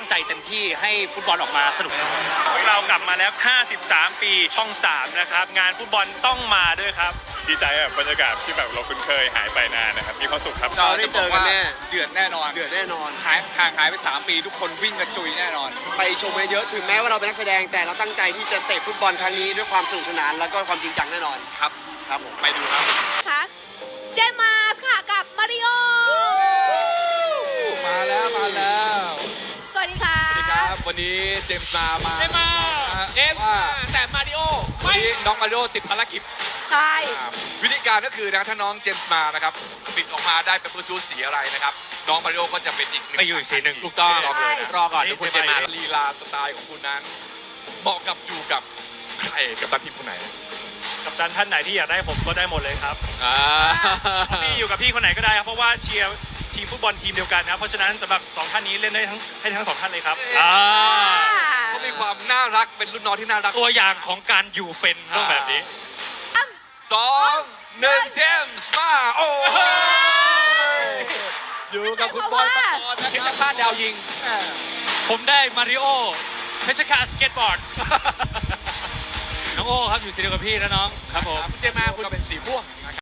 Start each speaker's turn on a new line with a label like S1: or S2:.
S1: ใจเต็มที่ให้ฟุตบอลออกมาสนุก
S2: เรากลับมาแล้ว 53 ปีช่อง 3 นะครับ งานฟุตบอลต้องมาด้วยครับ ดีใจแบบบรรยากาศที่แบบเราคุ้นเคยหายไปนานนะครับ มีความสุขครับ
S3: เราได้เจอกันแน่
S4: เดือดแน่นอน
S3: เดือดแน่นอน
S4: ห่างหายไป3 ปีทุกคนวิ่งกระจุยแน่นอน
S3: ไปชมเยอะๆถึงแม้ว่าเราเป็นนักแสดงแต่เราตั้งใจที่จะเตะฟุตบอลครั้งนี้ด้วยความสนุกสนานแล้วก็ความจริงจังแน่นอน
S4: ครับ
S3: ครับผม
S4: ไปดูครับ
S5: ค่ะเจมมาสค่ะกับมาริโอ
S4: มาแล้ว
S5: สวัสดีค่ะ
S4: สวัสดีครับ วันนี้เจมส์มาเจมส์มาแต่มาริโอวันนี้น้องมาริโอติดภารกิจ
S5: ใช่
S4: วิธีการก็คือนะถ้าน้องเจมส์มานะครับปิดออกมาได้เป็นชูสีอะไรนะครับน้องมาริโอก็จะเป็นอีกหนึ่ง
S2: ไปอยู่อีกสีหนึ่ง
S4: ถูกต้อง
S5: ใช่
S4: รอก่อนเดี๋ยวคุณเจมส์มาลีลาสไตล์ของคุณนั้นเหมาะกับอยู่กับใครกับตันทีมคนไหน
S2: กับดันท่านไหนที่อยากได้ผมก็ได้หมดเลยครับ
S4: อ่า
S2: พี่อยู่กับพี่คนไหนก็ได้ครับเพราะว่าเชียร์ทีมฟุตบอลทีมเดียวกันนะครับเพราะฉะนั้นสำหรับ2ท่านนี้เล่นได้ทั้ง2ท่านเลยครับ
S4: เขามีความน่ารักเป็นรุ่นน้องที่น่ารัก
S2: ตัวอย่างของการอยู่เป็นต้องแบบนี้
S4: 2-1 เจมส์มาโอ้อยู่กับคุณบอยปกรณ์นะ
S2: เพ
S4: ค
S2: ช
S4: รั
S2: ร
S4: บ
S2: ฆาตดาวยิง ผมได้มาริโอเพชรฆาตสเก็ตบอร์ด น้องโอ้ครับอยู่สีเดียวกับพี่นะน้องครับผม
S4: เจมส์มาคุณก็เป็นสีม่วง